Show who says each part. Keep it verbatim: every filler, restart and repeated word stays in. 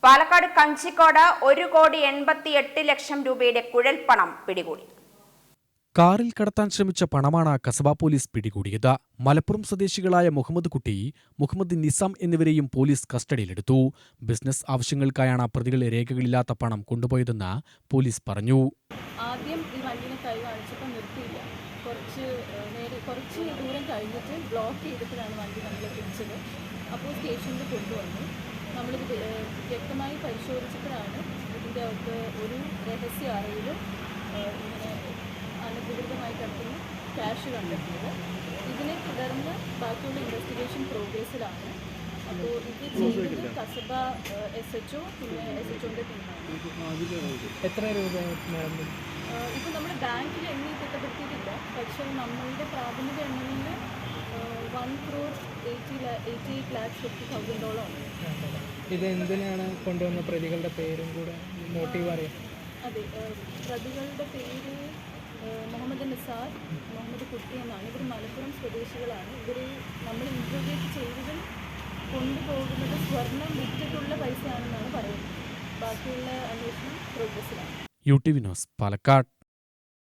Speaker 1: പാലക്കാട് കഞ്ചിക്കോട് ഒരു കോടി എൺപത്തി എട്ട് ലക്ഷം രൂപയുടെ കുഴൽപ്പണം പിടികൂടി.
Speaker 2: കാറിൽ കടത്താൻ ശ്രമിച്ച പണമാണ് കസബ പോലീസ് പിടികൂടിയത്. മലപ്പുറം സ്വദേശികളായ മുഹമ്മദ് കുട്ടി, മുഹമ്മദ് നിസാം എന്നിവരെയും പോലീസ് കസ്റ്റഡിയിലെടുത്തു. ബിസിനസ് ആവശ്യങ്ങൾക്കായാണ് പ്രതികൾ രേഖകളില്ലാത്ത പണം കൊണ്ടുപോയതെന്ന് പോലീസ് പറഞ്ഞു.
Speaker 3: ആദ്യം ഈ വണ്ടിനെ കൈ കാണിച്ചപ്പോൾ നിർത്തിയില്ല. കുറച്ച് നേരെ കുറച്ച് ദൂരം കഴിഞ്ഞിട്ട് ബ്ലോക്ക് ചെയ്തിട്ടാണ് വണ്ടി നമ്മൾ പിടിച്ചത്. അപ്പോൾ സ്റ്റേഷനിൽ കൊണ്ടുവന്നു. നമ്മളിത് വ്യക്തമായി പരിശോധിച്ചപ്പോഴാണ് ഇതിൻ്റെ അകത്ത് ഒരു രഹസ്യ അറയിലും ഇങ്ങനെ അനധികൃതമായി കിടക്കുന്ന ക്യാഷ് കണ്ടെത്തിയത്. ഇതിനെ തുടർന്ന് ബാക്കിയുള്ള ഇൻവെസ്റ്റിഗേഷൻ പ്രോഗ്രസ്സിലാണ്. അപ്പോൾ ഇത് ചെയ്തത് കസബ എസ് എച്ച് ഒ പിന്നെ എസ് എച്ച് ഒൻ്റെ ടീമാണ്.
Speaker 4: എത്ര രൂപ?
Speaker 3: ഇപ്പോൾ നമ്മൾ ബാങ്കിൽ എണ്ണി തിട്ടപ്പെടുത്തിയിട്ടില്ല, പക്ഷേ നമ്മളുടെ പ്രാഥമിക എണ്ണയിൽ one crore eighty eighty eight lakhs fifty തൗസൻഡോളം ഉണ്ട്.
Speaker 4: ഇത് എന്തിനാണ് കൊണ്ടുവന്ന പ്രതികളുടെ പേരും കൂടെ മോട്ടീവ് അറിയാം?
Speaker 3: അതെ, പ്രതികളുടെ പേര് മുഹമ്മദ് നിസാർ, മുഹമ്മദ് കുട്ടി എന്നാണ്. ഇവർ മലപ്പുറം സ്വദേശികളാണ്. ഇവർ നമ്മൾ ഇൻട്രോഗേറ്റ് ചെയ്തതിൽ കൊണ്ടുപോകുന്നത് സ്വർണം വിറ്റിട്ടുള്ള പൈസയാണെന്നാണ് പറയുന്നത്. ബാക്കിയുള്ള അന്വേഷണം പ്രോഗ്രസ്സിലാണ്.
Speaker 2: U T V news, Palakkad.